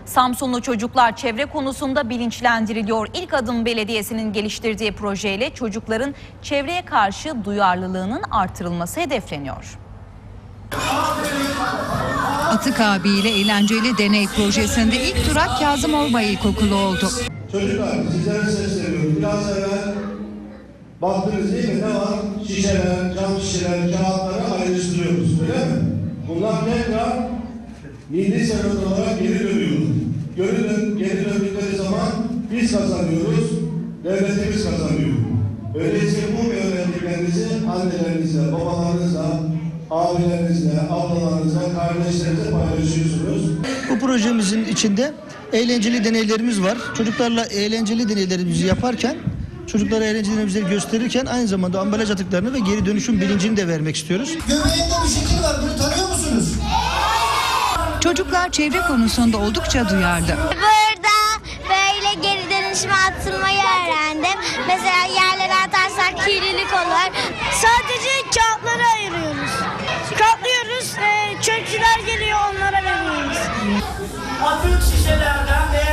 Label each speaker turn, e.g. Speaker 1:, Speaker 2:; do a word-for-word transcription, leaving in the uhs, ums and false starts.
Speaker 1: Samsunlu çocuklar çevre konusunda bilinçlendiriliyor. İlk Adım Belediyesi'nin geliştirdiği projeyle çocukların çevreye karşı duyarlılığının artırılması hedefleniyor.
Speaker 2: Atık abiyle eğlenceli deney projesinde ilk durak Kazım Orbay İlkokulu oldu.
Speaker 3: Çocuklar sizlere sesleniyorum. Biraz evvel baktınız değil mi? Ne var? Şişeler, cam şişeler, kağıtları ayrıştırıyoruz. Öyle mi? Bunlar tekrar milli servet olarak geri dönüyor. Geri, dön, geri döndükleri zaman biz kazanıyoruz, devletimiz kazanıyor. Öyleyse bu öğrendiklerinizi annelerinizle, babalarınızla, abilerinizle, ablalarınızla, kardeşlerinizle paylaşıyorsunuz.
Speaker 4: Bu projemizin içinde eğlenceli deneylerimiz var. Çocuklarla eğlenceli deneylerimizi yaparken, çocuklara eğlenceli deneylerimizi gösterirken aynı zamanda ambalaj atıklarını ve geri dönüşüm bilincini de vermek istiyoruz.
Speaker 5: Göbeğinde bir şekil var, bunu tanıyor musunuz?
Speaker 2: Çocuklar çevre konusunda oldukça duyarlı.
Speaker 6: Burada böyle geri dönüşüme atılmayı öğrendim. Mesela yerlere atarsak kirlilik olur.
Speaker 7: Sadece kağıtları ayırıyoruz. Katlıyoruz, e, çöpçüler geliyor onlara veriyoruz.
Speaker 8: Atık şişelerden veya